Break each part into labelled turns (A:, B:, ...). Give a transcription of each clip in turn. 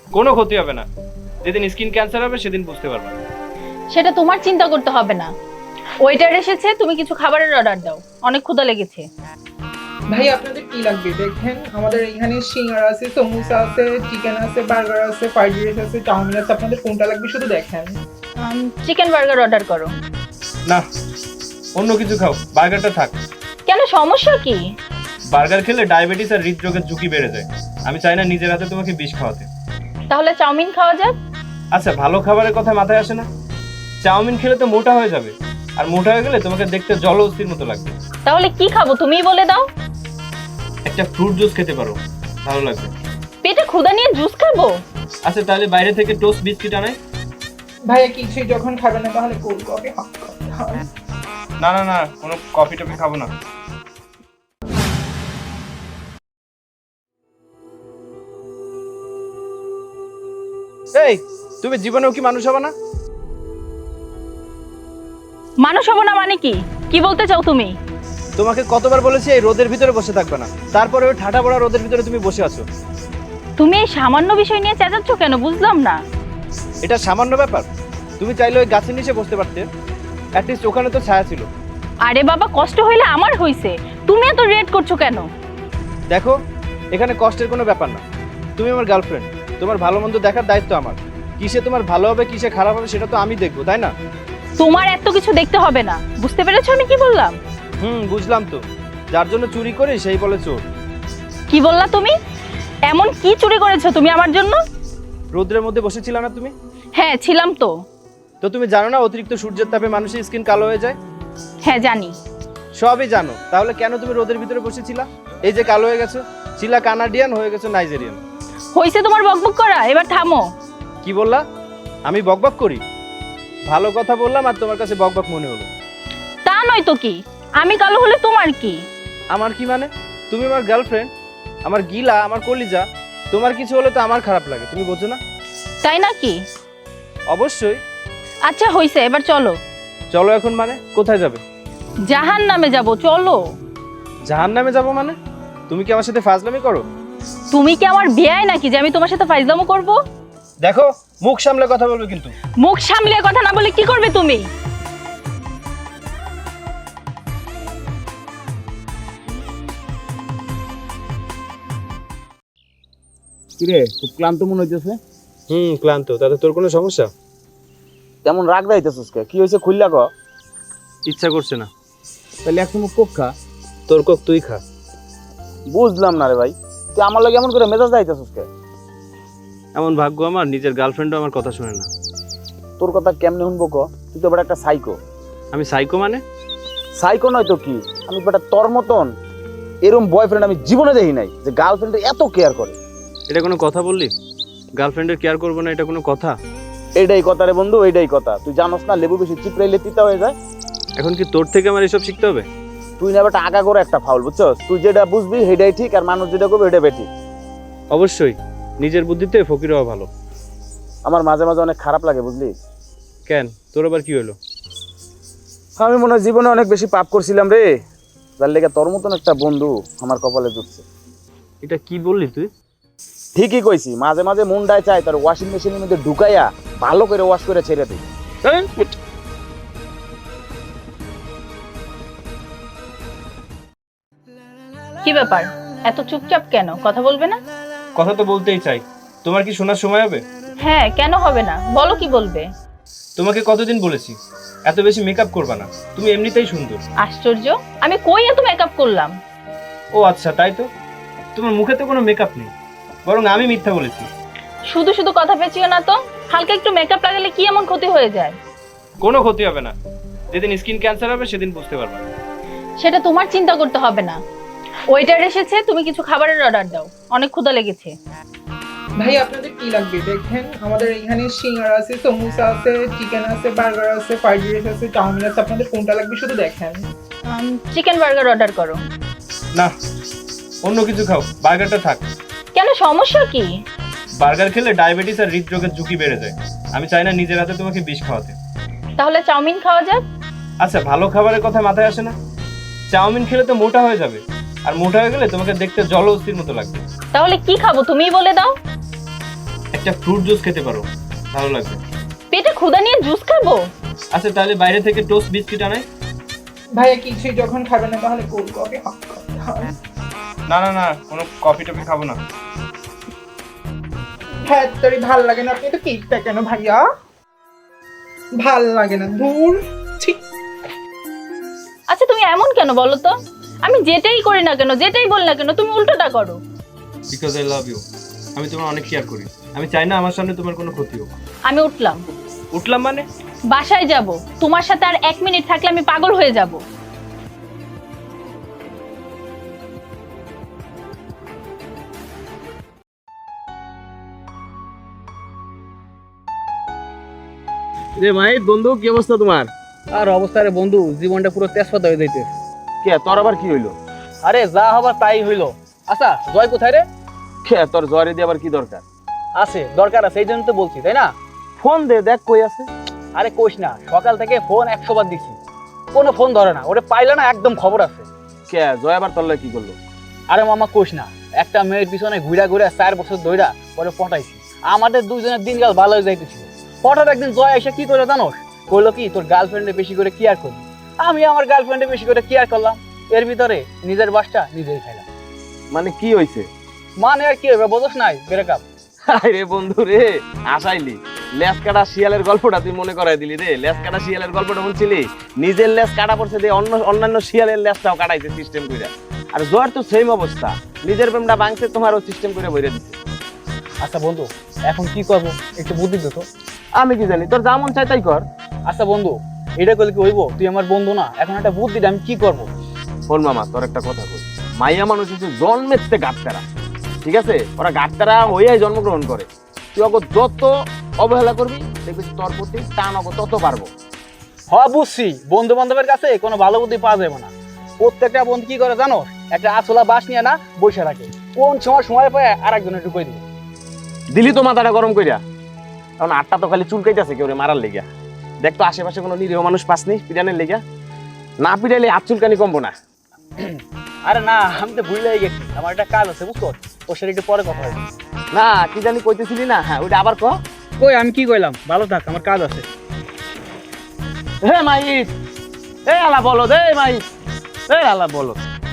A: কোনো ক্ষতি হবে না। যেদিন স্কিন ক্যান্সার হবে সেদিন বুঝতে পারবে।
B: সেটা তোমার চিন্তা করতে হবে না। ওয়েটার এসেছে, তুমি কিছু খাবারের অর্ডার দাও, অনেক ক্ষুধা লেগেছে।
C: ভাই আপনাদের কি লাগবে দেখেন, আমাদের এখানে সিঙ্গারা আছে, সমোসা আছে, চিকেন আছে, বার্গার আছে, ফ্রাইড রাইস আছে, চাউমিন আছে, আপনাদের কোনটা লাগবে শুধু দেখেন।
B: চিকেন বার্গার অর্ডার করো।
A: না, অন্য কিছু খাও, বার্গারটা থাক।
B: কেন, সমস্যা কি?
A: বার্গার খেলে ডায়াবেটিস আর হৃদরোগের ঝুঁকি বেড়ে যায়। আমি চাই না নিজের হাতে তোমাকে বিষ খাওয়াতে।
B: তাহলে চাউমিন খাওয়া যাক।
A: আচ্ছা, ভালো খাবারের কথা মাথায় আসে না? চাউমিন খেলে তো মোটা হয়ে যাবে, আর মোটা হয়ে গেলে তোমাকে দেখতে জল অস্থির মতো লাগবে।
B: তাহলে কি খাবো তুমিই বলে দাও।
A: একটা ফ্রুট জুস খেতে পারো, ভালো লাগবে।
B: পেটে ক্ষুধা নিয়ে জুস খাবো?
A: আচ্ছা, তাহলে বাইরে থেকে টোস্ট বিস্কিট আনাই।
C: ভাইয়া কিছুই যখন খাবে না তাহলে কোল্ড কফি খাবে।
A: না না না, কোনো কফি টফি খাবো না। এই, তুমি জীবনেও কি মানুষ হবে না?
B: মানুষ হবো না মানে কি? কি বলতে চাও তুমি?
A: তোমাকে কতবার বলেছি এই রোদের ভিতরে বসে থাকবে না, তারপরে ওই ঠাটা পড়া রোদের ভিতরে তুমি বসে আছো।
B: তুমি এই সামান্য বিষয় নিয়ে চেঁচাচ্ছ কেন, বুঝলাম না।
A: এটা সামান্য ব্যাপার? তুমি চাইলে ওই গাছের নিচে বসতে পারতে, অ্যাটলিস্ট ওখানে তো ছায়া ছিল।
B: আরে বাবা, কষ্ট হইলে আমার হইছে, তুমি এত রেট করছো কেন?
A: দেখো, এখানে কষ্টের কোনো ব্যাপার না। তুমি আমার গার্লফ্রেন্ড, তোমার ভালো মন্দ দেখার দায়িত্ব আমার। কিসে তোমার ভালো হবে কিসে খারাপ হবে সেটা তো আমি দেখবো, তাই না?
B: তোমার এত কিছু দেখতে হবে না, বুঝতে পেরেছো আমি কি বললাম?
A: বুঝলাম তো। যার জন্য চুরি করি সেই বলে চোর।
B: কি বললা তুমি? এমন কি চুরি করেছো তুমি আমার জন্য?
A: রোদ্রের মধ্যে বসেছিল না তুমি?
B: হ্যাঁ ছিলাম তো।
A: তো তুমি জানো না অতিরিক্ত সূর্যের তাপে মানুষের স্কিন কালো হয়ে যায়?
B: হ্যাঁ জানি।
A: সবই জানো, তাহলে কেন তুমি রোদের ভিতরে বসেছিলা? এই যে কালো হয়ে গেছো, ছিলা কানাডিয়ান, হয়ে গেছো নাইজেরিয়ান।
B: হইছে তোমার বকবক করা, এবার থামো।
A: কি বললা? আমি বকবক করি? ভালো কথা বললাম আর তোমার কাছে বকবক মনে হলো।
B: তা নয় তো কি, আমি কালো হলে তোমার কি?
A: আমার কি মানে? তুমি আমার গার্লফ্রেন্ড, আমার গিলা, আমার কলিজা। তোমার কিছু হলে তো আমার খারাপ লাগে, তুমি বোঝো না?
B: তাই নাকি?
A: অবশ্যই।
B: আচ্ছা হইছে, এবার চলো।
A: চলো এখন মানে? কোথায় যাবে?
B: জাহান নামে যাবো, চলো।
A: জাহান্নামে যাবো মানে? তুমি কি আমার সাথে ফাজলামি করো?
B: তুমি কি আমার বিয়াই নাকি যে আমি তোমার সাথে ফাইজলামো করব?
A: দেখো, মুখ সামলে কথা বলবে কিন্তু।
B: মুখ সামলে কথা না বলে কি করবে তুমি?
D: কিরে, খুব ক্লান্ত মনে হইতেছে।
A: ক্লান্ত। তাতে তোর কোনো সমস্যা?
D: তেমন রাগ দাইতেছিস কে? কি হয়েছে খুললা ক।
A: ইচ্ছা করছে না।
D: তাহলে এক চুমুক কোক খা।
A: তোর কক তুই খা।
D: বুঝলাম না রে ভাই, তুই আমার লাগে এমন করে মেজাজ দাইতেছিস কে?
A: এমন ভাগ্য আমার, নিজের গার্লফ্রেন্ডও আমার কথা শুনে না।
D: তোর কথা কেমনে শুনবো ক? তুই তো বেটা একটা সাইকো।
A: আমি সাইকো মানে?
D: সাইকো নয় তো কি, আমি বেটা তোর মতন এরকম বয়ফ্রেন্ড আমি জীবনে দেখি নাই যে গার্লফ্রেন্ডের এত কেয়ার করে।
A: এটা কোনো কথা বললি? গার্লফ্রেন্ডের কেয়ার করবো না, এটা কোনো কথা?
D: এইটাই কথা রে বন্ধু, এইটাই কথা। তুই জানোস না লেবু বেশি চিপড়াইলে তিতা হয়ে যায়।
A: এখন কি তোর থেকে আমার এসব শিখতে হবে?
D: তুই না বেটা আগা করে একটা ফাউল, বুঝছস? তুই যেটা বুঝবি সেটাই ঠিক, আর মানুষ যেটা করবে সেটা বেঠিক।
A: অবশ্যই, নিজের বুদ্ধিতে ফকির হওয়া ভালো।
D: আমার মাঝে মাঝে অনেক খারাপ লাগে, বুঝলি?
A: কেন, তোর আবার কি হলো?
D: আমি মনে হয় জীবনে অনেক বেশি পাপ করছিলাম রে, যার লেগে তোর মতন একটা বন্ধু আমার কপালে জুটছে।
A: এটা কি বললি তুই?
D: ঠিকই কইছি, মাঝে মাঝে মুন্ডায় চাই তার ওয়াশিং মেশিনের মধ্যে ঢুকাইয়া ভালো করে ওয়াশ করে ছেড়ে দিই।
B: কি ব্যাপার, এত চুপচাপ কেন, কথা বলবে না?
A: কথা তো বলতেই চাই। তোমার কি শোনার সময় হবে?
B: হ্যাঁ, কেন হবে না, বলো কি বলবে।
A: তোমাকে কতদিন বলেছি এত বেশি মেকআপ করবা না, তুমি এমনিতেই সুন্দর।
B: আশ্চর্য, আমি কই এত মেকআপ করলাম?
A: ও আচ্ছা, তাই তো। তোমার মুখে তো কোনো মেকআপ নেই, বরং আমি মিথ্যা বলেছি।
B: শুধু শুধু কথা পেঁচিও না তো, হালকা একটু মেকআপ লাগালে কি এমন ক্ষতি হয়ে যায়?
A: কোনো ক্ষতি হবে না। যেদিন স্কিন ক্যান্সার হবে সেদিন বুঝতে পারবা।
B: সেটা তোমার চিন্তা করতে হবে না। ওয়েটার এসেছে, তুমি কিছু খাবারের অর্ডার দাও, অনেক ক্ষুধা লেগেছে।
C: ভাই আপনাদের কি লাগবে দেখেন, আমাদের এখানে সিঙ্গারা আছে, সমোসা আছে, চিকেন আছে, বার্গার আছে, ফ্রাইড রাইস আছে, চাউমিন আছে, আপনাদের কোনটা লাগবে শুধু দেখেন।
B: চিকেন বার্গার অর্ডার করো।
A: না, অন্য কিছু খাও, বার্গারটা থাক।
B: কেন, সমস্যা কি?
A: বার্গার খেলে ডায়াবেটিস আর হৃদরোগের ঝুঁকি বেড়ে যায়। আমি চাই না নিজের হাতে তোমাকে বিষ খাওয়াতে।
B: তাহলে চাউমিন খাওয়া যাক।
A: আচ্ছা, ভালো খাবারের কথা মাথায় আসে না? চাউমিন খেলে তো মোটা হয়ে যাবে, আর মোটা হয়ে গেলে তোমাকে দেখতে জল অস্থির মতো লাগবে।
B: তাহলে কি খাবো তুমিই বলে দাও।
A: একটা ফ্রুট জুস খেতে পারো, ভালো লাগবে।
B: পেটে ক্ষুধা নিয়ে জুস খাবো?
A: আচ্ছা তাহলে বাইরে থেকে টোস্ট বিস্কিট আনাই।
C: ভাইয়া কিছুই যখন খাবেন না তাহলে কোল্ড কফি
A: না না না, কোনো কফি টফি খাবো না।
C: হ্যাঁ তোর ভাল লাগে না, আপনি তো কেকটা কেন ভাইয়া? ভাল লাগে না, দূর। ঠিক
B: আচ্ছা তুমি এমন কেন বলো তো? আমি যেটাই করি না কেন, যেটাই বল না কেন, তুমি উল্টোটা করো।
A: Because I love you. আমি তোমার অনেক কেয়ার করি, আমি চাই না আমার সামনে তোমার কোনো ক্ষতি হোক।
B: আমি উঠলাম।
A: উঠলাম মানে?
B: বাসায় যাব, তোমার সাথে আর 1 মিনিট থাকলে আমি পাগল হয়ে যাব।
D: রে মাহিত বন্ধু, কি অবস্থা তোমার?
E: আর অবস্থা রে বন্ধু, জীবনটা পুরো তেজপাতা হয়ে যাইতে।
D: কে তোর আবার কি হইলো?
E: আরে যা হবার তাই হইলো। আচ্ছা জয় কোথায় রে?
D: কে তোর জ্বরে দিয়ে আবার কি দরকার?
E: আছে, দরকার আছে, এই জন্য তো বলছি, তাই না?
D: ফোন দে, দেখ কই আছে।
E: আরে কোশ না, সকাল থেকে ফোন 100 বার দিছি, কোনো ফোন ধরে না। ওরে পাইলে না একদম খবর আছে।
D: কে জয় আবার তোর লাগে কি করলো?
E: আরে মামা কোশ না, একটা মেয়ের পিছনে ঘুরা ঘুরা 4 বছর ধইরা পরে পটাইছি। আমাদের দুইজনের দিনকাল ভালো হয়ে যাইতেছিল। হঠাৎ একদিন জয় এসে কি করে জানোস? কইলো কি তোর গার্লফ্রেন্ডে বেশি করে কেয়ার করবি। আমি আমার গার্লফ্রেন্ডে বেশি করে কেয়ার করলাম, এর ভিতরে নিজের বাসটা নিজেই খাইলাম।
D: মানে কি হইছে?
E: মানে আর কি হবে বোঝস নাই, ব্রেকআপ।
D: আরে বন্ধু রে, আসাইলি লেজ কাটা শিয়ালের গল্পটা তুই মনে করাই দিলি রে। লেজ কাটা শিয়ালের গল্পটা শুনছিলি? নিজের লেজ কাটা পড়ছে দিয়ে অন্যান্য শিয়ালের লেজটাও কাটাইছে সিস্টেম কইরা। আর জয়ের তো সেম অবস্থা, নিজের প্রেমটা ভাঙছে, তোমারও সিস্টেম করে বইরে দিচ্ছে।
E: আচ্ছা বন্ধু, এখন কি করবো একটু বুদ্ধি দে তো।
D: আমি কি জানি, তোর যা মন চাই তাই কর।
E: আচ্ছা বন্ধু, এটা করলে কি হইব? তুই আমার বন্ধু না, এখন একটা বুদ্ধি দে, আমি কি করবো?
D: শোন মামা, তোর একটা কথা কই। মাইয়া মানুষ হচ্ছে জন্মেতে গাটতারা, ঠিক আছে? ওরা গাটতারা হইয়াই জন্মগ্রহণ করে। তুই ওকে যত অবহেলা করবি দেখবি তোর প্রতি টান ওকে তত পারবো।
E: বুঝছি, বন্ধু বান্ধবের কাছে কোনো ভালো বুদ্ধি পাওয়া যাবে না। প্রত্যেকটা বন্ধু কি করে জানো? একটা আছলা বাস নিয়ে না বসে রাখে, কোন সময় পায় আর একজনের ঢুকাই দিবে।
D: দিলি তো মাথাটা গরম কইরা। কারণ আটটা তো খালি চুলকাইতেছে কেউ মারার লেগা। দেখ তো আশেপাশে কোনো নিরীহ মানুষ পাসনি পিটানের লেগা? না পিটাইলে হাত চুলকানি কমবো না।
E: আরে না, আমি তো ভুলে গেছি, আমার একটা কাজ আছে বুঝছো, ওর সাথে একটু পরে কথা হবে।
D: না কি জানি কইতেছিলি না? হ্যাঁ ওইটা আবার কহ।
E: কই আমি কি কইলাম? ভালো থাক, আমার কাজ আছে।
D: হে মাইত, এ আলা বলো দে মাইত, এ আলা বলো।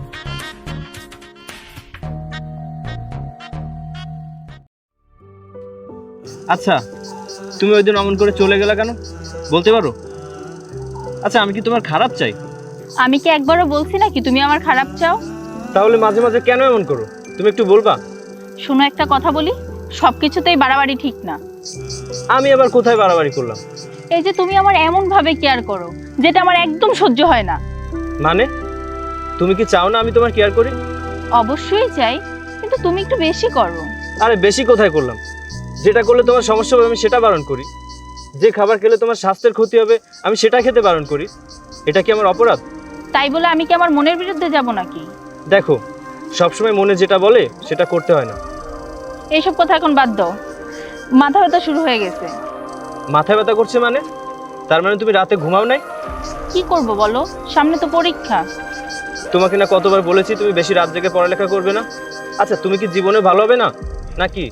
A: আচ্ছা তুমি ওই দিন অমন করে চলে গেলা কেন, বলতে পারো? আচ্ছা আমি কি তোমার খারাপ চাই?
B: আমি কি একবারও বলছি নাকি তুমি আমার খারাপ চাও?
A: তাহলে মাঝে মাঝে কেন এমন করো, তুমি একটু বলবা?
B: শোনো একটা কথা বলি, সবকিছুতেই বাড়াবাড়ি ঠিক না।
A: আমি আবার কোথায় বাড়াবাড়ি করলাম?
B: এই যে তুমি আমার এমন ভাবে কেয়ার করো যেটা আমার একদম সহ্য হয় না।
A: মানে তুমি কি চাও না আমি তোমার কেয়ার করি?
B: অবশ্যই চাই, কিন্তু তুমি একটু বেশি করো।
A: আরে বেশি কোথায় করলাম? যেটা করলে তোমার সমস্যা হবে আমি সেটা বারণ করি, যে খাবার খেলে তোমার স্বাস্থ্যের ক্ষতি হবে আমি সেটা খেতে বারণ করি। এটা কি আমার অপরাধ?
B: তাই বলে আমি কি আমার মনের বিরুদ্ধে যাব নাকি?
A: দেখো সবসময় মনে যেটা বলে সেটা করতে হয় না।
B: এইসব কথা এখন বাদ দাও, মাথা ব্যথা শুরু হয়ে গেছে।
A: মাথা ব্যথা করছে মানে? তার মানে তুমি রাতে ঘুমাও নাই?
B: কি করব বলো, সামনে তো পরীক্ষা।
A: তোমাকে না কতবার বলেছি তুমি বেশি রাত জেগে পড়ালেখা করবে না। আচ্ছা তুমি কি জীবনে ভালো হবে না নাকি?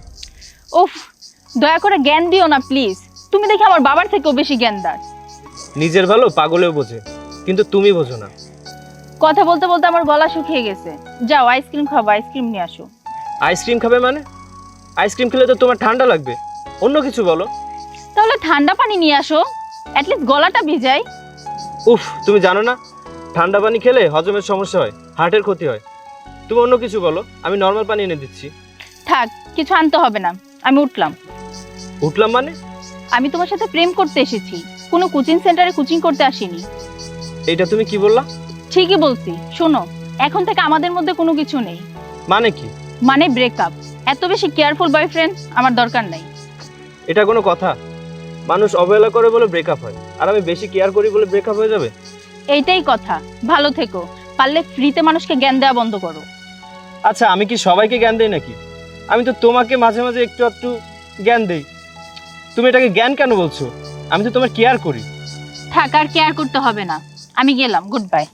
B: উফ, দয়া করে জ্ঞান দিও না প্লিজ। তুমি দেখি আমার বাবার থেকেও বেশি জ্ঞানদার।
A: নিজের ভালো পাগলেও বোঝে, কিন্তু তুমি বোঝো না।
B: কথা বলতে বলতে আমার গলা শুকিয়ে গেছে। যাও আইসক্রিম খাবো, আইসক্রিম নিয়ে আসো।
A: আইসক্রিম খাবে মানে? আইসক্রিম খেলে তো তোমার ঠান্ডা লাগবে, অন্য কিছু বলো।
B: তাহলে ঠান্ডা পানি নিয়ে আসো, অ্যাটলিস্ট গলাটা ভিজাই।
A: উফ, তুমি জানো না ঠান্ডা পানি খেলে হজমের সমস্যা হয়, হার্টের ক্ষতি হয়। তুমি অন্য কিছু বলো, আমি নর্মাল পানি এনে দিচ্ছি।
B: থাক, কিছু আনতে হবে না, আমি উঠলাম।
A: উঠলাম মানে?
B: আমি তোমার সাথে প্রেম করতে এসেছি, কোনো কোচিং সেন্টারে কোচিং করতে আসিনি।
A: এইটা তুমি কি বললা?
B: ঠিকই বলছি। শোনো, এখন থেকে আমাদের মধ্যে কোনো কিছু নেই।
A: মানে কি?
B: মানে ব্রেকআপ। এত বেশি কেয়ারফুল বয়ফ্রেন্ড আমার দরকার নাই।
A: এটা কোনো কথা? মানুষ অবহেলা করে বলে ব্রেকআপ হয়, আর আমি বেশি কেয়ার করি বলে ব্রেকআপ হয়ে যাবে?
B: এইটাই কথা। ভালো থেকো, পারলে ফ্রিতে মানুষকে জ্ঞান দেওয়া বন্ধ করো।
A: আচ্ছা আমি কি সবাইকে জ্ঞান দেই নাকি? আমি তো তোমাকে মাঝে মাঝে একটু একটু জ্ঞান দেই। তুমি এটাকে জ্ঞান কেন বলছো? আমি তো তোমার কেয়ার করি।
B: থাক, আর কেয়ার করতে হবে না, আমি গেলাম, গুড বাই।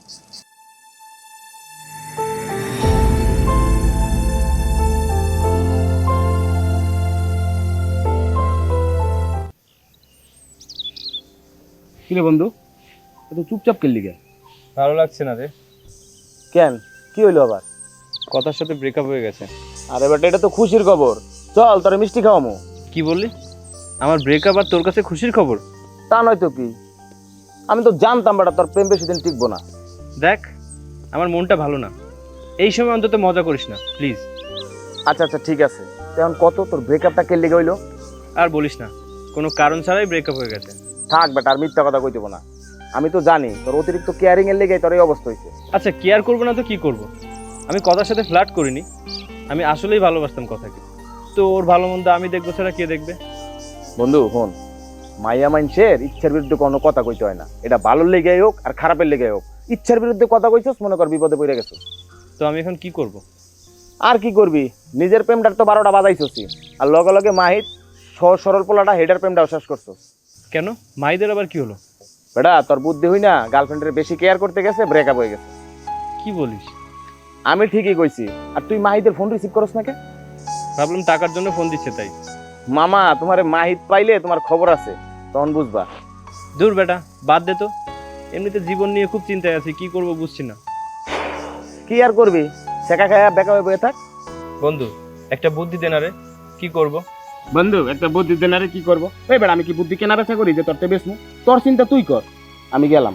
D: কিরে বন্ধু এত চুপচাপ কেলি গে?
A: ভালো লাগছে না রে।
D: কেন, কি হইলো আবার?
A: কথার সাথে ব্রেকআপ হয়ে গেছে।
D: আরে বেটা, এটা তো খুশির খবর। চল তোরে মিষ্টি খাওয়ামো।
A: কি বললি? আমার ব্রেকআপ আর তোর কাছে খুশির খবর?
D: তা নয় তো কি, আমি তো জানতাম বেটা তোর প্রেম বেশি দিন টিকবো না।
A: দেখ, আমার মনটা ভালো না, এই সময় অন্তত মজা করিস না প্লিজ।
D: আচ্ছা আচ্ছা ঠিক আছে, এখন কত তোর ব্রেকআপটা কেলি গইলো?
A: আর বলিস না, কোনো কারণ ছাড়াই ব্রেকআপ হয়ে গেছে।
D: থাক বেটা, আর মিথ্যা কথা কইতেব না। আমি তো জানি তোর অতিরিক্ত কেয়ারিং এর লেগে তোর এই অবস্থা হয়েছে।
A: আচ্ছা, কেয়ার করবো না তো কি করব? আমি কথার সাথে ফ্লার্ট করিনি, আমি আসলেই ভালোবাসতাম কথাকে। তো ওর ভালো মন্দ আমি দেখবো ছাড়া কে দেখবে?
D: বন্ধু হন, মাইয়া মাইনসের ইচ্ছার বিরুদ্ধে কোনো কথা কইতে হয় না। এটা ভালোর লেগে হোক আর খারাপের লেগে হোক, ইচ্ছার বিরুদ্ধে কথা কইছস মনে কর বিপদে পড়ে গেছো।
A: তো আমি এখন কি করব?
D: আর কি করবি, নিজের প্রেমটার তো 12টা বাজাইছসি, আর লগে লগে মাহিত সহজ সরল পোলাটা হেডার প্রেমটাও শেষ করছস।
A: কেন, মাইদের আবার কি হলো?
D: বেটা তোর বুদ্ধি হই না, গার্লফ্রেন্ডের বেশি কেয়ার করতে গেছে, ব্রেকআপ হয়ে গেছে।
A: কি বলিস?
D: আমি ঠিকই কইছি। আর তুই মাহিতের ফোন রিসিভ করস না কে?
A: ভাবলাম টাকার জন্য ফোন দিচ্ছে তাই।
D: মামা, তোমার মাহিত পাইলে তোমার খবর আছে, তখন বুঝবা।
A: দূর বেটা, বাদ দে তো। এমনিতে জীবন নিয়ে খুব চিন্তায় আছি, কি করব বুঝছি না।
D: কি আর করবি, শেখা খায়া বেকা হয়ে বয়ে থাক।
A: বন্ধু, একটা বুদ্ধি দে না রে, কি করব?
D: বন্ধু একটা বুদ্ধি দেনারে কি করবো? ওই বেড়া, আমি কি বুদ্ধি কেনা বেচা করি যে তোরতে বেসমু? তোর চিন্তা তুই কর, আমি গেলাম।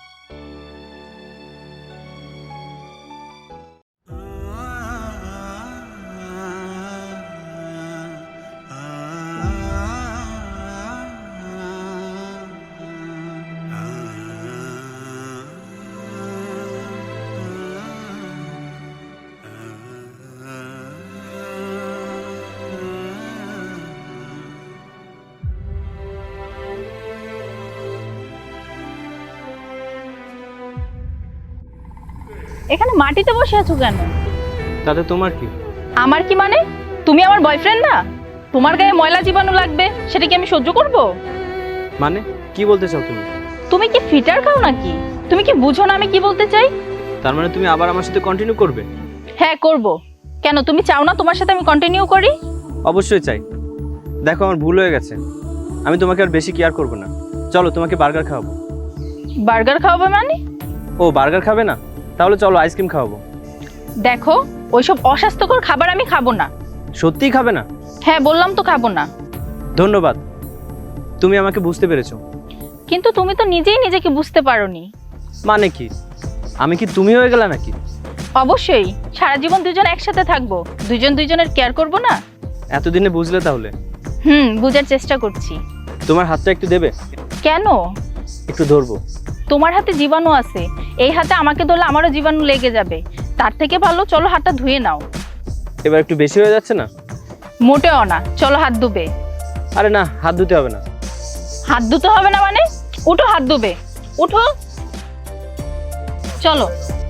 B: এখানে মাটিতে বসে আছো কেন?
A: তাতে তোমার কি?
B: আমার কি মানে? তুমি আমার বয়ফ্রেন্ড না? তোমার গায়ে ময়লা জীবাণু লাগবে, সেটা কি আমি সহ্য করব?
A: মানে কি বলতে চাও তুমি?
B: তুমি কি ফিটার খাও নাকি? তুমি কি বুঝো না আমি কি বলতে চাই?
A: তার মানে তুমি আবার আমার সাথে কন্টিনিউ করবে?
B: হ্যাঁ করব। কেন, তুমি চাও না তোমার সাথে আমি কন্টিনিউ করি?
A: অবশ্যই চাই। দেখো, আমার ভুল হয়ে গেছে, আমি তোমাকে আর বেশি কেয়ার করব না। চলো, তোমাকে বার্গার খাওয়াবো।
B: বার্গার খাওয়াবে মানে?
A: ও, বার্গার খাবে না? তাহলে চলো আইসক্রিম খাওয়াবো।
B: দেখো, ওইসব অস্বাস্থ্যকর খাবার আমি খাবো না।
A: সত্যিই খাবে না?
B: হ্যাঁ বললাম তো খাবো না।
A: ধন্যবাদ, তুমি আমাকে বুঝতে পেরেছো।
B: কিন্তু তুমি তো নিজেই নিজেকে বুঝতে পারোনি।
A: মানে কি, আমি কি তুমি হয়ে গেলা নাকি?
B: অবশ্যই, সারা জীবন দুজন একসাথে থাকবো, দুজন দুজনের কেয়ার করব না?
A: এতদিনে বুঝলে তাহলে?
B: বুঝার চেষ্টা করছি।
A: তোমার হাতটা একটু দেবে?
B: কেন?
A: একটু ধরবো।
B: তোমার হাতে জীবাণু আছে, এই হাতে আমাকে ধরলে আমারও জীবাণু লেগে যাবে। তার থেকে ভালো চলো হাতটা ধুয়ে নাও।
A: এবার একটু বেশি হয়ে যাচ্ছে না?
B: মোটেও না, চলো হাত ধুবে।
A: আরে না, হাত ধুতে হবে না।
B: হাত ধুতে হবে না মানে? উঠো, হাত ধুবে, উঠো, চলো।